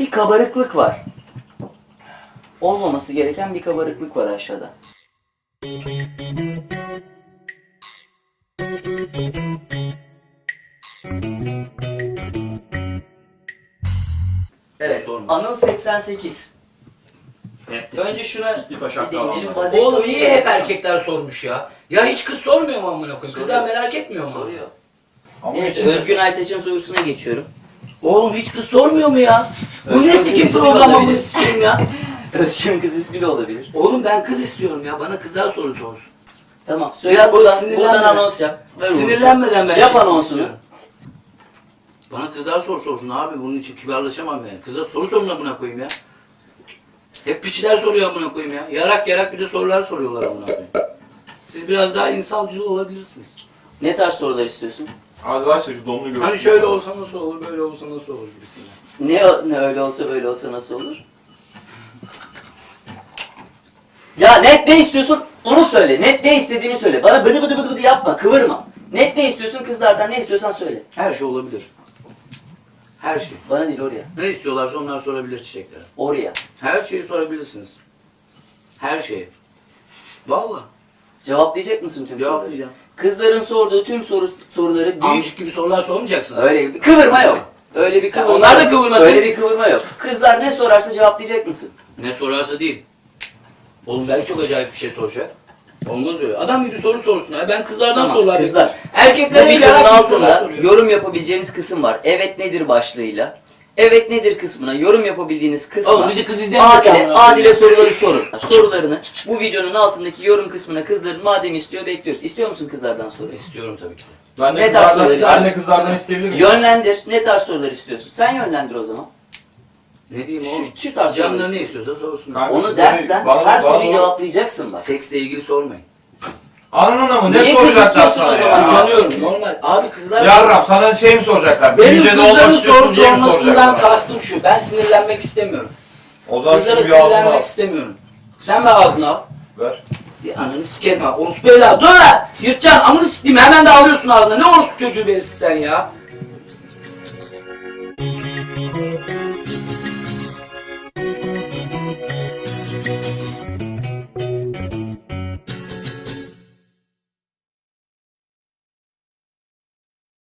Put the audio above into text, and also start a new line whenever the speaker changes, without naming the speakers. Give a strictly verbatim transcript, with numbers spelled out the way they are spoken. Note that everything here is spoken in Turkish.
Bir kabarıklık var. Olmaması gereken bir kabarıklık var aşağıda. Evet, Anıl seksen sekiz.
Evet,
Önce şuna
sikli taş
bir
hakkı
değinelim.
alanlar.
Oğlum niye hep erkekler sormuş ya? Ya hiç kız sormuyor mu amına koyayım? Kızlar merak etmiyor mu?
Soruyor.
Ama
Neyse,
içinde-
Özgün Aytaç'ın sorusuna geçiyorum.
Oğlum hiç kız sormuyor mu ya? Bu
Özgün
ne sikim
kız
programı
olabilir.
bunu sikeyim ya?
Özgün kız ismi de olabilir.
Oğlum ben kız istiyorum ya. Bana kızlar soru sorsun.
Tamam, söyle
Biraz
buradan,
sinirlenme.
buradan anons yap. Ver uğraşalım.
Sinirlenmeden ben
Yap
şey
anonsunu.
istiyorum. Bana kızlar soru sorsun abi. Bunun için kibarlaşamam yani. Kızlar soru sorun amına koyayım ya. Hep piçler soruyor amına koyayım ya. Yarak yarak bir de sorular soruyorlar amına koyayım. Siz biraz daha insancıl olabilirsiniz.
Ne tarz sorular istiyorsun?
Hadi ver şu donunu görsün.
Hani şöyle olsa nasıl olur, böyle olsa nasıl olur gibisinden.
Ne, o- ne öyle olsa böyle olsa nasıl olur? Ya net ne istiyorsun onu söyle. Net ne istediğini söyle. Bana bıdı bıdı bıdı bıdı yapma, kıvırma. Net ne istiyorsun kızlardan, ne istiyorsan söyle.
Her şey olabilir. Her şey.
Bana değil, oraya.
Ne istiyorlarsa onlar sorabilir çiçeklere.
Oraya.
Her şeyi sorabilirsiniz. Her şeyi. Vallahi.
Cevaplayacak mısın tüm soruları?
Cevaplayacağım.
Kızların sorduğu tüm soru, soruları büyük...
Amcık gibi sorular sormayacaksınız.
Öyle bir kıvırma yok. Öyle bir
Sen-
kıvırma
onlar da
yok.
kıvırmasın.
Öyle bir kıvırma yok. Kızlar ne sorarsa cevaplayacak mısın?
Ne sorarsa değil. Oğlum belki çok acayip bir şey soracak. Olmaz öyle. Adam gibi soru sorsun. Ya. Ben kızlardan
Tamam,
sorular
kızlar.
bekliyorum.
Bu
Erkeklere
videonun
yarak gibi sorular
altında
soruyor.
yorum yapabileceğiniz kısım var. Evet nedir başlığıyla. Evet nedir kısmına yorum yapabildiğiniz kısma
Oğlum bizi kız izlemiyor ki
Adile,
amına
Adile
koyayım.
soruları sorun. Sorularını bu videonun altındaki yorum kısmına kızların madem istiyor bekliyoruz. İstiyor musun kızlardan soru?
İstiyorum tabii ki de.
Ben de
Ne tarz sorular
kızlardan, ben de
istiyorsun?
kızlardan isteyebilir miyim?
Yönlendir. Ne tarz sorular istiyorsun? Sen yönlendir o zaman.
Ne diyeyim
Şu-
oğlum?
şu tarz sorular
Canları ne
istiyorum.
istiyorsa sorsun.
Kanka,
Onu
kızları-
dersen
bana-
her
bana
soruyu
doğru-
cevaplayacaksın bak.
Seksle ilgili sormayın.
Anladın mı? Ne
Niye kız
soracaklar
istiyorsun
sana
o zaman?
ya?
Tanıyorum normal. Abi kızlar...
Yarrab sana şey mi soracaklar?
Benim
Büyüyünce ne olmak
kızların
istiyorsun
soru
diye mi
sormasından
soracaklar?
kastım şu. Ben sinirlenmek istemiyorum.
O zaman
Kızlara
şunu bir ağzına al.
sinirlenmek istemiyorum. Sen de ağzına al.
Ver.
Bir ananı sikerim ha. Orospu evladı. Dur lan! Yırtacaksın. Amını sikeyim. Hemen de alıyorsun ağzına. Ne orospu çocuğu verirsin sen ya?